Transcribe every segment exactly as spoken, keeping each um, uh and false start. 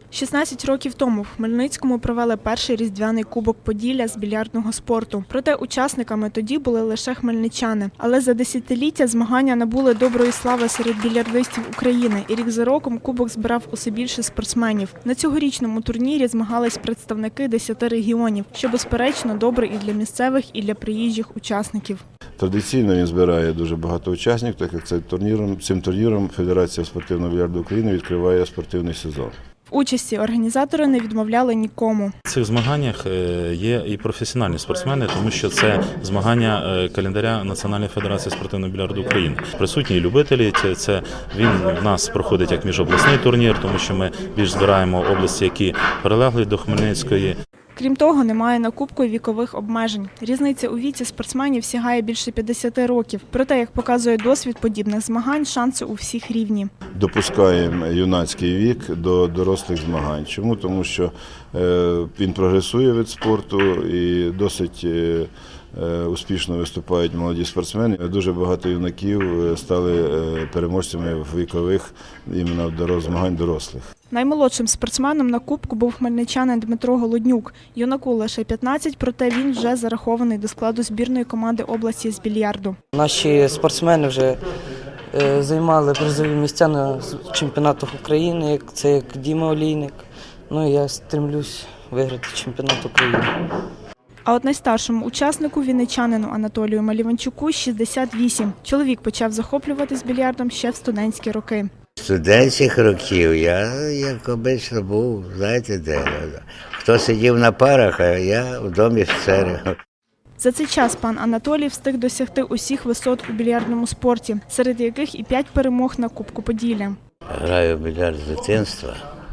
шістнадцять років тому в Хмельницькому провели перший різдвяний кубок Поділля з більярдного спорту. Проте учасниками тоді були лише хмельничани. Але за десятиліття змагання набули доброї слави серед більярдистів України, і рік за роком кубок збирав усе більше спортсменів. На цьогорічному турнірі змагались представники десяти регіонів, що безперечно добре і для місцевих, і для приїжджих учасників. Традиційно він збирає дуже багато учасників, так як цим турніром, цим турніром Федерація спортивного більярду України відкриває спортивний сезон. В участі організатори не відмовляли нікому. В цих змаганнях є і професіональні спортсмени, тому що це змагання календаря Національної федерації спортивного більярду України. Присутні і любителі, це він в нас проходить як міжобласний турнір, тому що ми більш збираємо області, які прилегли до Хмельницької. Крім того, немає на кубку і вікових обмежень. Різниця у віці спортсменів сягає більше п'ятдесяти років. Проте, як показує досвід подібних змагань, шанси у всіх рівні. Допускаємо юнацький вік до дорослих змагань. Чому? Тому що він прогресує від спорту і досить успішно виступають молоді спортсмени. Дуже багато юнаків стали переможцями в вікових іменно змагань дорослих. Наймолодшим спортсменом на кубку був хмельничанин Дмитро Голоднюк. Юнаку лише п'ятнадцять, проте він вже зарахований до складу збірної команди області з більярду. Наші спортсмени вже займали призові місця на чемпіонатах України, це як Діма Олійник. Ну і я стремлюсь виграти чемпіонат України. А от найстаршому учаснику, вінничанину Анатолію Маліванчуку, шістдесят вісім. Чоловік почав захоплюватись більярдом ще в студентські роки. Студентських років я, як обично, був, знаєте, де. Хто сидів на парах, а я в домі офіцерів. За цей час пан Анатолій встиг досягти усіх висот у більярдному спорті, серед яких і п'ять перемог на Кубку Поділля. Граю в більярд з дитинства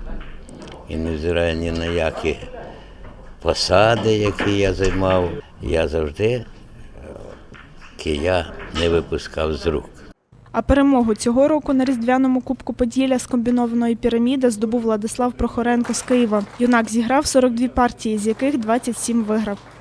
і не взираю ні на які посади, які я займав. Я завжди кия не випускав з рук. А перемогу цього року на різдвяному Кубку Поділля з комбінованої піраміди здобув Владислав Прохоренко з Києва. Юнак зіграв сорок дві партії, з яких двадцять сім виграв.